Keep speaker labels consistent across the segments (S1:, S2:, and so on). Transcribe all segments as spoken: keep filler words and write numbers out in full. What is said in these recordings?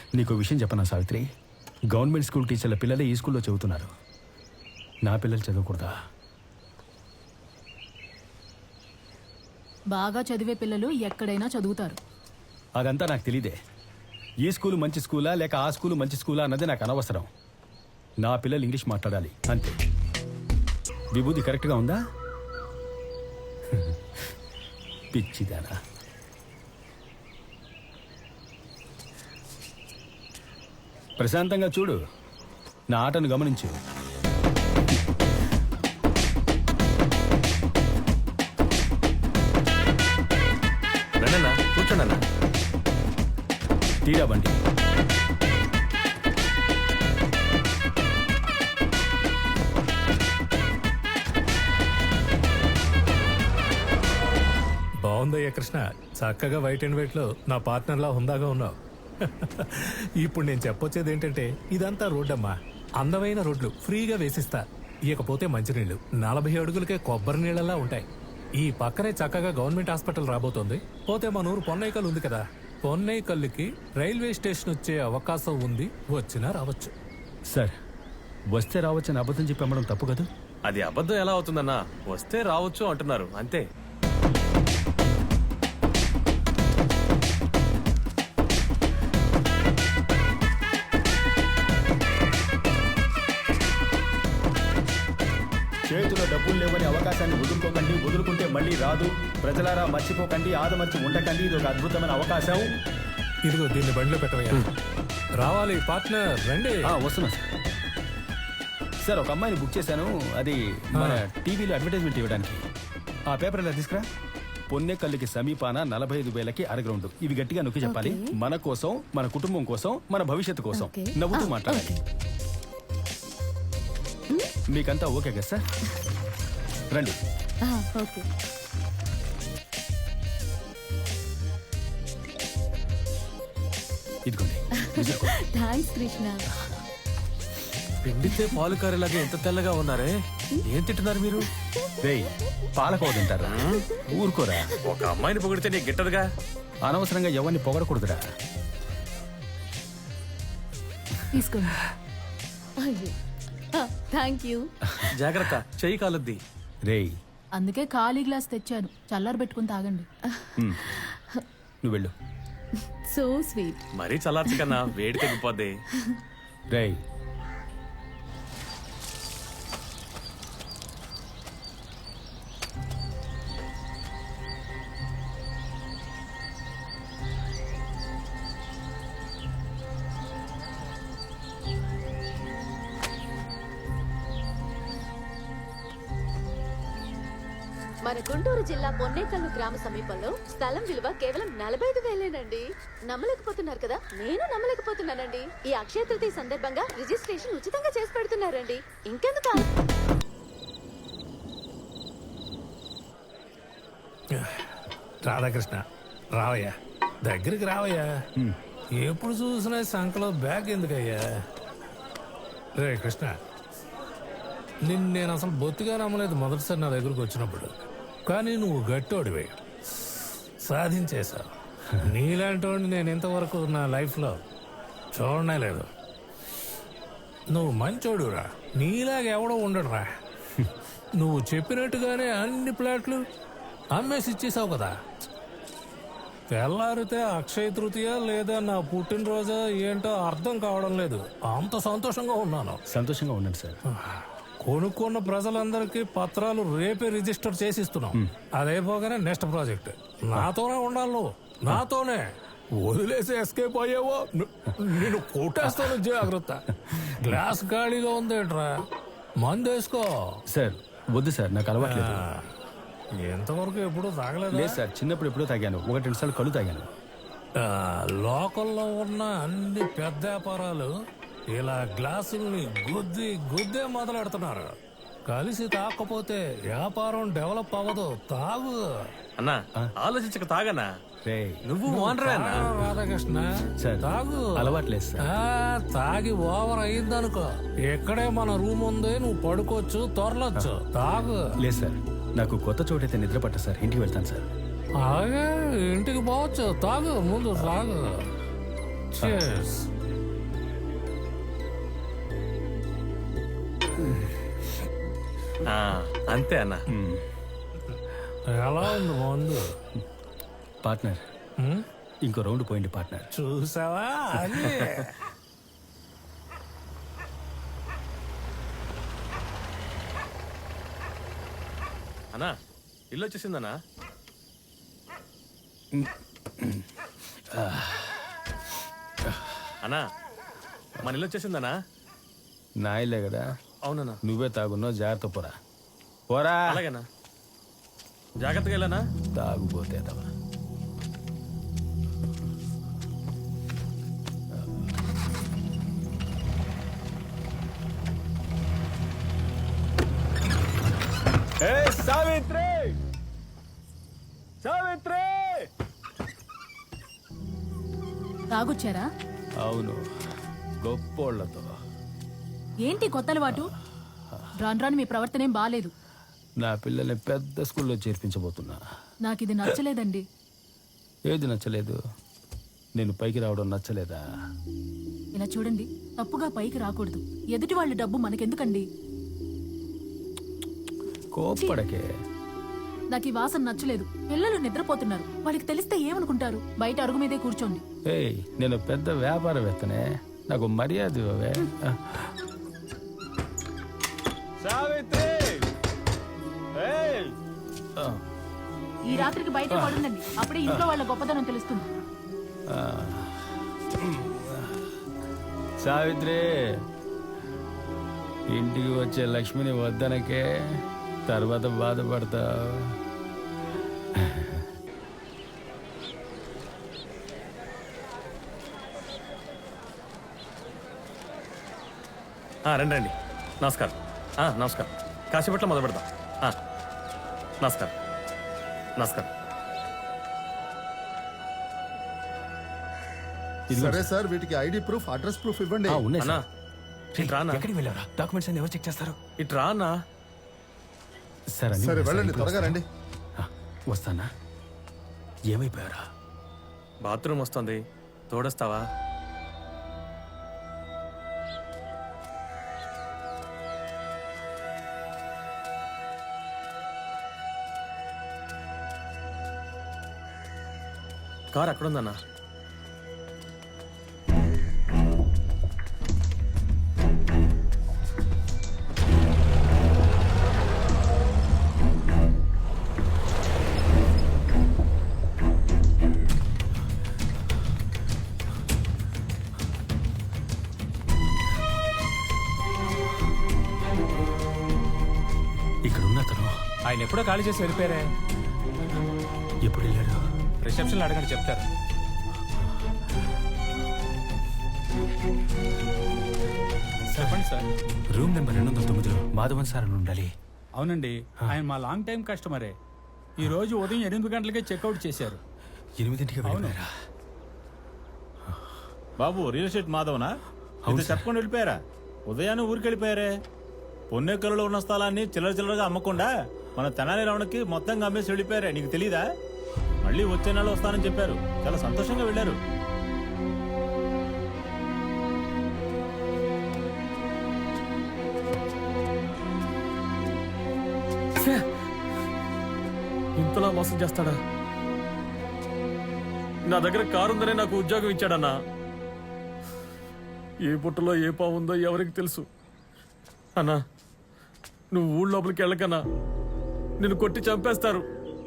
S1: నీకు విషయం చెప్పనా సావిత్రి, గవర్నమెంట్ స్కూల్ టీచర్ల పిల్లలే ఈ స్కూల్లో చదువుతున్నారు. నా పిల్లలు చదవకూడదా?
S2: బాగా చదివే పిల్లలు ఎక్కడైనా చదువుతారు.
S1: అదంతా నాకు తెలీదే. ఈ స్కూలు మంచి స్కూలా లేక ఆ స్కూలు మంచి స్కూలా అన్నది నాకు అనవసరం. నా పిల్లలు ఇంగ్లీష్ మాట్లాడాలి అంతే. విభూతి కరెక్ట్గా ఉందా? పిచ్చిదానా. ప్రశాంతంగా చూడు, నా ఆటను గమనించు.
S3: రండన్నా, కూర్చోండి.
S1: తీరా బండి.
S4: బాగుందయ్యా కృష్ణ, చక్కగా వైట్ అండ్ వైట్ లో నా పార్ట్నర్లా హుందాగా ఉన్నావు. ఇప్పుడు నేను చెప్పొచ్చేది ఏంటంటే, ఇదంతా రోడ్డమ్మా, అందమైన రోడ్లు ఫ్రీగా వేసిస్తా. ఇకపోతే మంచినీళ్లు నలభై అడుగులకే కొబ్బరి నీళ్ళలా ఉంటాయి. ఈ పక్కనే చక్కగా గవర్నమెంట్ హాస్పిటల్ రాబోతోంది. పోతే మన ఊరు పొన్నైకల్ ఉంది కదా, పొన్నైకల్లుకి రైల్వే స్టేషన్ వచ్చే అవకాశం ఉంది. వచ్చినా రావచ్చు.
S1: సార్, వస్తే రావచ్చని అబద్ధం చెప్పి అమ్మడం తప్పు కదా?
S3: అది అబద్ధం ఎలా అవుతుందన్నా? వస్తే రావచ్చు అంటున్నారు అంతే.
S1: చేతిలో డబ్బులు లేవని అవకాశాన్ని వదులుకోకండి. వదులుకుంటే మళ్ళీ రాదు. ప్రజలారా మర్చిపోకండి, ఆదమర్చి ఉండకండి. ఇది ఒక అద్భుతమైన అవకాశం.
S4: ఇదిగో దీన్ని బండిలో పెట్టవయ్యా. రావాలి పార్ట్నర్, రండి.
S1: వస్తున్నా సార్. సార్, ఒక అమ్మాయిని బుక్ చేశాను. అది మన టీవీలో అడ్వర్టైజ్మెంట్ ఇవ్వడానికి. ఆ పేపర్ ఎలా తీసుకురా. పొన్నెకల్లుకి సమీపాన నలభై ఐదు వేలకి అరగ్రౌండ్. ఇవి గట్టిగా నొక్కి చెప్పాలి. మన కోసం, మన కుటుంబం కోసం, మన భవిష్యత్తు కోసం. నవ్వుతూ మాట్లాడాలి. మీకంతా ఓకే కదా సార్? రండి. ఇదిగోండి.
S2: థాంక్స్ కృష్ణ.
S3: పిండితే పాలు కారేలాగా ఎంత తెల్లగా ఉన్నారే. ఏం తింటున్నారు మీరు?
S1: రేయ్, పాలకోవ తింటారా? ఊరుకోరా.
S3: ఒక అమ్మాయిని పొగిడితే నీకు గిట్టదుగా.
S1: అనవసరంగా ఎవరిని పొగడకూడదురా.
S2: తీసుకోండి. Thank you.
S3: జాగ్రత్త, చెయ్యి కాలుద్ది.
S1: రేయ్,
S2: అందుకే ఖాళీ గ్లాస్ తెచ్చాను, చల్లారు పెట్టుకుని తాగండి.
S1: నువ్వు వెళ్ళు.
S2: So sweet.
S3: మరీ చల్లార్చు కన్నా, వేడి తగ్గిపోద్ది.
S1: రేయ్,
S5: మన గుంటూరు జిల్లా పొన్నేకల్లు గ్రామ సమీపంలో స్థలం విలువ కేవలం నలభై ఐదు వేలేనండి. నమ్మలేకపోతున్నారు కదా? నేను నమ్మలేకపోతున్నానండి. ఈ అక్షయ తృతీయ సందర్భంగా రిజిస్ట్రేషన్ ఉచితంగా చేసి పెడుతున్నారండి. ఇంకెందుకు?
S4: రాధాకృష్ణ, రావయ్యా, దగ్గరికి రావయ్యా. ఎప్పుడు చూసినా సంకలో బ్యాగ్ ఎందుకయ్యా? రే కృష్ణ, నిన్ను నేను అసలు బొత్తిగా నమ్మలేదు మొదటిసారి నా దగ్గరకు వచ్చినప్పుడు. కానీ నువ్వు గట్టోడివే, సాధించేశావు. నీలాంటి వాడిని నేను ఇంతవరకు నా లైఫ్లో చూడనే లేదు. నువ్వు మంచోడురా, నీలాగా ఎవడో ఉండడురా. నువ్వు చెప్పినట్టుగానే అన్ని ప్లాట్లు అమ్మేసి ఇచ్చేసావు కదా. తెల్లారితే అక్షయ తృతీయ లేదా నా పుట్టినరోజా ఏంటో అర్థం కావడం లేదు. అంత సంతోషంగా ఉన్నాను.
S1: సంతోషంగా ఉండండి సార్.
S4: కొనుక్కున్న ప్రజలందరికీ పత్రాలు రేపే రిజిస్టర్ చేసిస్తున్నాం. అదైపోగానే నెక్స్ట్ ప్రాజెక్ట్ నాతోనే ఉండాలి. నువ్వు నాతోనే వదిలేసి ఎస్కేప్ అయ్యావో నేను కొట్టేస్తాను. జాగ్రత్త. గ్లాస్ ఖాళీగా ఉందేంట్రా, మందు వేసుకో.
S1: సార్ వద్దు సార్, నాకు అలవాట్లేదు.
S4: ఎంతవరకు ఎప్పుడు తాగలేదు?
S1: లేదు సార్, చిన్నప్పుడు ఎప్పుడో తాగాను. ఒకటి రెండు సార్లు కళ్ళు తాగాను.
S4: లోకల్లో ఉన్న అన్ని పెద్ద వ్యాపారాలు ఇలా గ్లాసుల్ని గుద్ది గుద్దే మొదలెడుతున్నారు. కలిసి తాకపోతే వ్యాపారం డెవలప్ అవ్వదు. తాగు.
S3: అన్నా, ఆలోచించక తాగనా. నువ్వు
S4: రాధాకృష్ణ, తాగు.
S1: అలవాట్లేదు సార్.
S4: తాగి ఓవర్ అయ్యిందనుకో, ఎక్కడే మన రూమ్ ఉంది, నువ్వు పడుకోవచ్చు, తొరలొచ్చు. తాగు.
S1: లేదు సార్, నాకు కొత్త చోటైతే నిద్ర పట్ట సార్. ఇంటికి వెళ్తాను సార్.
S4: అలాగే ఇంటికి పోవచ్చు. తాగు, ముందు తాగు. Cheers.
S3: ఆ, అంతే అన్న.
S4: ఎలా ఉంది మందు?
S1: పార్ట్నర్
S4: హ్మ్?
S1: ఇంకో రౌండ్ పోయింది పార్ట్నర్.
S4: చూసావా అది?
S3: అన్నా ఇల్లు వచ్చేసిందన్నా. అన్నా మన ఇల్లు వచ్చేసిందన్నా.
S1: నా ఇల్లే కదా,
S3: అవునన్నా.
S1: నువ్వే తాగున్నావు, జాగ్రత్త పోరా. పోరా.
S3: అలాగేనా, జాగ్రత్తగా వెళ్ళానా.
S1: తాగుపోతే తవా. సావిత్రి, సావిత్రి.
S2: తాగొచ్చారా?
S1: అవును, గొప్పోళ్లతో.
S2: ఏంటి కొత్త అలవాటు? రాను రాను మీ ప్రవర్తన ఏం బాలేదు.
S1: నా పిల్లల్ని పెద్ద స్కూల్లో చేర్పించబోతున్నా.
S2: నాకు ఇది నచ్చలేదండి.
S1: ఏది నచ్చలేదు? నేను పైకి రావడం నచ్చలేదా?
S2: ఇలా చూడండి, తప్పుగా పైకి రాకూడదు. ఎదుటి వాళ్ళ డబ్బు మనకెందుకండి?
S1: కోప్పడకే.
S2: నాకు ఈ వాసన నచ్చలేదు. పిల్లలు నిద్రపోతున్నారు, వాళ్ళకి తెలిస్తే ఏమనుకుంటారు? బయట అరుగు మీదే కూర్చోండి.
S1: ఏయ్, నేను పెద్ద వ్యాపారవేత్తనే, నాకు మర్యాద ఇవ్వవే. సావిత్రి, ఏయ్.
S2: ఈ రాత్రికి బయట పడుందండి, అప్పుడే ఇంట్లో వాళ్ళ గొప్పతనం తెలుస్తుంది.
S1: సావిత్రి, ఇంటికి వచ్చే లక్ష్మిని వద్దనకే, తర్వాత బాధపడతావు.
S3: ఆ, రండి రండి. నమస్కారం. ఆ, నమస్కారం. కాసేపట్లో మొదలు పెడదాం. ఆ, నమస్కారం నమస్కారం.
S6: సరే సార్, వీటికి ఐడి ప్రూఫ్, అడ్రస్ ప్రూఫ్ ఇవ్వండి.
S1: ఆ, ఉన్నాయి
S3: అన్నా
S1: సార్.
S3: ఇటు రానా.
S1: ఎక్కడికి వెళ్ళారా? డాక్యుమెంట్స్ అన్ని ఎవరు చెక్ చేస్తారు?
S3: ఇటు రా అన్నా.
S1: సార్ అన్ని
S6: సరే
S1: ఉన్నాయి సార్,
S6: వెళ్ళండి,
S1: ఇప్పుడు
S6: త్వరగా రండి.
S1: ఆ, వస్తానా? ఏమైపోయారా?
S3: బాత్రూమ్ వస్తుంది, తోడొస్తావా? కార్ అక్కడుందన్నా.
S1: ఇక్కడ ఉన్న అతను
S4: ఆయన ఎప్పుడో ఖాళీ చేసి వెళ్ళిపోయారే.
S1: ఎప్పుడు వెళ్ళాడు?
S4: రిసెప్షన్లో అడగండి, చెప్తారు.
S7: చెప్పండి సార్.
S1: రూమ్ నెంబర్ రెండు వందల తొమ్మిదిలో మాధవన్ సార్ అని ఉండాలి.
S7: అవునండి, ఆయన మా లాంగ్ టైం కస్టమరే. ఈ రోజు ఉదయం ఎనిమిది గంటలకే చెక్అవుట్ చేశారు.
S1: ఎనిమిదింటికి వెళ్ళిపోయారా?
S8: బాబు, రియల్ ఎస్టేట్ మాధవనా? ఇది చెప్పకుండా వెళ్ళిపోయారా? ఉదయాన్నే ఊరికి వెళ్ళిపోయారే. పొన్నెక్కలలో ఉన్న స్థలాన్ని చిల్లర చిల్లరగా అమ్మకుండా మన తెనాలి రమణకి మొత్తంగా అమ్మేసి వెళ్ళిపోయారే. నీకు తెలీదా? మళ్ళీ వచ్చే నెల వస్తానని చెప్పారు. చాలా సంతోషంగా వెళ్ళారు.
S3: ఇంతలా మోసం చేస్తాడా? నా దగ్గర కారు ఉందనే నాకు ఉద్యోగం ఇచ్చాడన్నా. ఏ పుట్టలో ఏ పావు ఉందో ఎవరికి తెలుసు. అన్నా, నువ్వు ఊళ్ళో లోపలికి వెళ్ళకన్నా, నిన్ను కొట్టి చంపేస్తారు.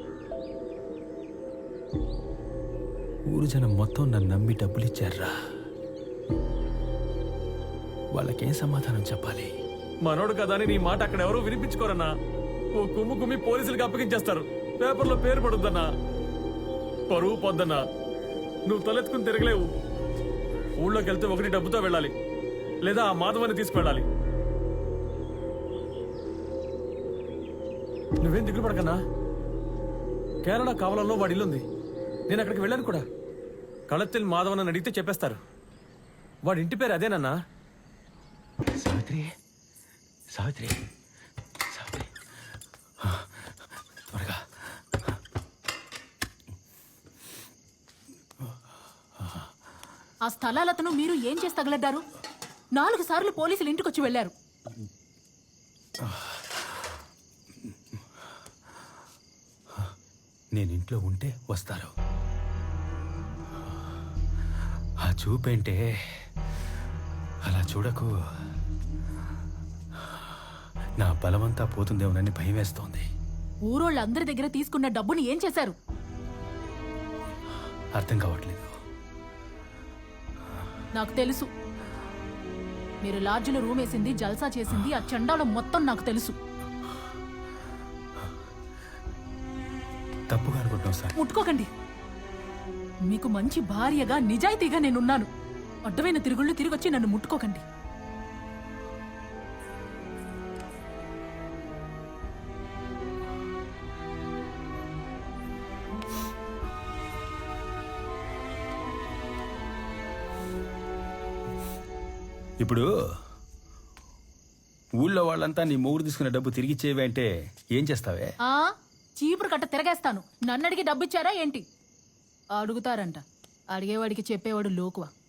S1: ఊరు జనం మొత్తం నన్ను నమ్మి డబ్బులు ఇచ్చారా? వాళ్ళకేం సమాధానం చెప్పాలి?
S3: మనోడు కదా అని నీ మాట అక్కడ ఎవరూ వినిపించుకోరన్నా. ఓ కుమ్ము కుమ్మి పోలీసులకు అప్పగించేస్తారు. పేపర్లో పేరు పడుద్దన్నా, పరువు పొద్దన్నా. నువ్వు తలెత్తుకుని తిరగలేవు. ఊళ్ళోకి వెళ్తే ఒకటి డబ్బుతో వెళ్ళాలి, లేదా ఆ మాధవాన్ని తీసుకువెళ్ళాలి. నువ్వేం దిగులు పడకన్నా. కేరళ కావలంలో వాడి ఇల్లుంది. నేను అక్కడికి వెళ్ళాను కూడా. కళత్తిల్ మాధవన్ అని అడిగితే చెప్పేస్తారు. వాడి ఇంటి పేరు అదేనన్నా.
S1: సావిత్రి, సావిత్రి, సావిత్రి, త్వరగా.
S2: ఆ స్థలాలతను మీరు ఏం చేసి తగలడ్డారు? నాలుగు సార్లు పోలీసులు ఇంటికొచ్చి వెళ్లారు.
S1: నేను ఇంట్లో ఉంటే వస్తారు. ఆ చూపేంటే అలా చూడకు. నా బలమంతా పోతుందేమోనని భయం వేస్తోంది.
S2: ఊరోళ్ళందరి దగ్గర తీసుకున్న డబ్బుని ఏం చేశారు?
S1: అర్థం కావట్లేదు.
S2: నాకు తెలుసు. మీరు లాడ్జిలో రూమ్ వేసింది, జల్సా చేసింది, ఆ చండాలం మొత్తం నాకు తెలుసు.
S1: తప్పుగా అనుకుంటున్నావు సార్.
S2: ముట్టుకోకండి. మీకు మంచి భార్యగా నిజాయితీగా నేనున్నాను. అడ్డమైన తిరుగుళ్ళు తిరిగొచ్చి నన్ను ముట్టుకోకండి.
S1: ఇప్పుడు ఊళ్ళో వాళ్ళంతా నీ మొగుడు తీసుకున్న డబ్బు తిరిగి ఇచ్చేవి అంటే ఏం చేస్తావే?
S2: ఆ చీపురు కట్ట తిరగేస్తాను. నన్ను అడిగి డబ్బిచ్చారా ఏంటి? అడుగుతారంట. అడిగేవాడికి చెప్పేవాడు లోకువ.